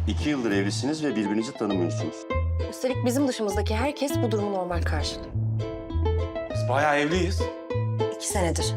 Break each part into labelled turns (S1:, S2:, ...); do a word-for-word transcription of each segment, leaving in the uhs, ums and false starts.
S1: İki yıldır evlisiniz ve birbirinizi tanımıyorsunuz.
S2: Üstelik bizim dışımızdaki herkes bu durumu normal karşılıyor.
S3: Biz bayağı evliyiz.
S2: İki senedir.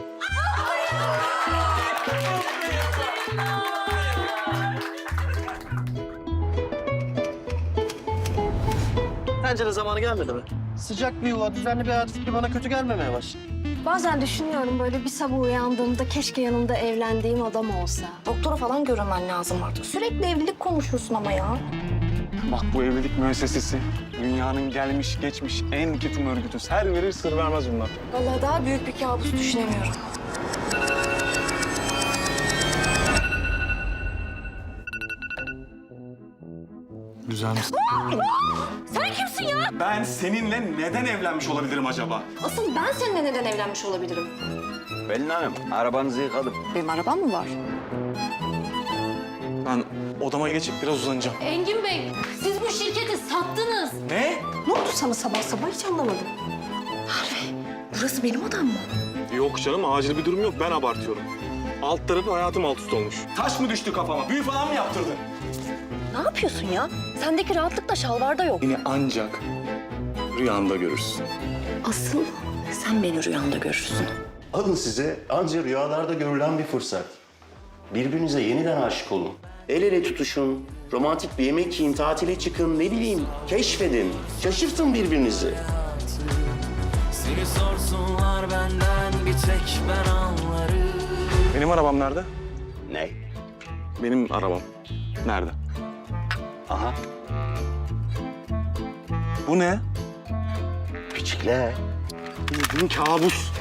S4: Bence de zamanı gelmedi mi? Sıcak bir yuva, düzenli bir hayat fikri bana kötü gelmemeye başladı.
S5: Bazen düşünüyorum böyle bir sabah uyandığımda keşke yanımda evlendiğim adam olsa.
S2: Doktora falan görünmen lazım artık. Sürekli evlilik konuşuyorsun ama ya.
S3: Bak bu evlilik müessesesi dünyanın gelmiş geçmiş en ketum örgütü. Her verir sır vermez bunlar.
S2: Vallahi daha büyük bir kabus düşünemiyorum.
S3: Güzel misin?
S2: Sen kimsin ya?
S3: Ben seninle neden evlenmiş olabilirim acaba?
S2: Asıl ben seninle neden evlenmiş olabilirim?
S1: Pelin Hanım, arabanızı yıkadım.
S2: Benim arabam mı var?
S3: Ben odama geçip biraz uzanacağım.
S5: Engin Bey, siz bu şirketi sattınız.
S3: Ne?
S2: Ne oldu sana sabah sabah hiç anlamadım. Harvey, burası benim odam mı?
S3: Yok canım acil bir durum yok. Ben abartıyorum. Alt tarafı hayatım alt üst olmuş. Taş mı düştü kafama? Büyü falan mı yaptırdın?
S2: Ne yapıyorsun ya? Sendeki rahatlık da şalvarda yok.
S3: Beni ancak rüyanda görürsün.
S2: Asıl sen beni rüyanda görürsün.
S1: Alın size anca rüyalarda görülen bir fırsat. Birbirinize yeniden aşık olun. El ele tutuşun, romantik bir yemek yiyin, tatile çıkın, ne bileyim, keşfedin. Şaşırtın birbirinizi.
S6: Seni sorsunlar benden bir tek ben anlarım.
S3: Benim arabam nerede?
S1: Ne?
S3: Benim arabam. Nerede?
S1: Aha,
S3: Bu ne?
S1: küçükler.
S3: Bildiğin kabus.